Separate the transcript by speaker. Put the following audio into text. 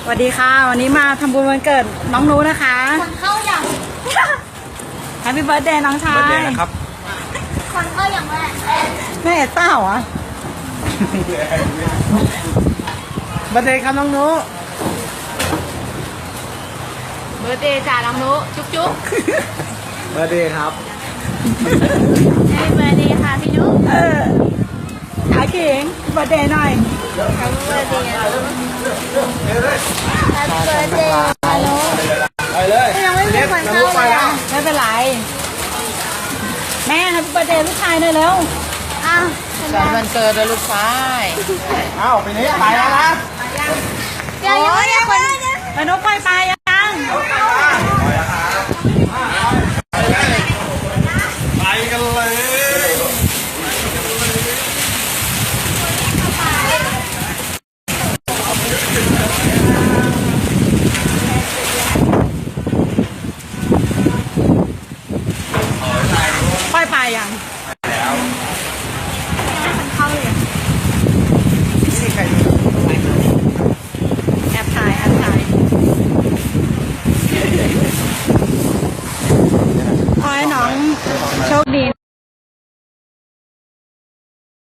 Speaker 1: วัสดีค่ะวันนี้มาทำบุญวันเกิดน้องนูนะคะ
Speaker 2: คนเข้าอย่าง
Speaker 1: Happy Birthday น้องชาย
Speaker 3: เบิร์ดเดย์นะครับ
Speaker 2: คนเข้าอย่างแรก
Speaker 1: แม่เอ็ดต้าเหรอเบิร์ดเดย์ครับน้องนู
Speaker 2: เบอร์เดย์จ่าน้องนุจุ๊บจุ๊บ
Speaker 3: เบิร์ดเดย์ครับ
Speaker 2: เบอร์เดย์ค่ะพี่นุ๊ก
Speaker 1: ขาเก่งเบิร์ดเดย์หน่อย
Speaker 2: เบอร์เดย์เบอร์เดย์นุ๊ก
Speaker 3: ไปเลย
Speaker 2: ยังไม่มีคนเข้าเลยอ่ะ
Speaker 1: ไม่เป็นไรแม่ Happy Birthday ลูกชายหน่อยเร็ว
Speaker 2: อ้าว
Speaker 4: วันเกิดลูกชาย
Speaker 3: เอ้าไปนี้ไปแล้วนะ
Speaker 2: เดี๋ยวยังไม่มีคน
Speaker 1: แล้วนกปล่อยปลายัง
Speaker 3: ไปกันเลย
Speaker 1: ปล่อยปลายัง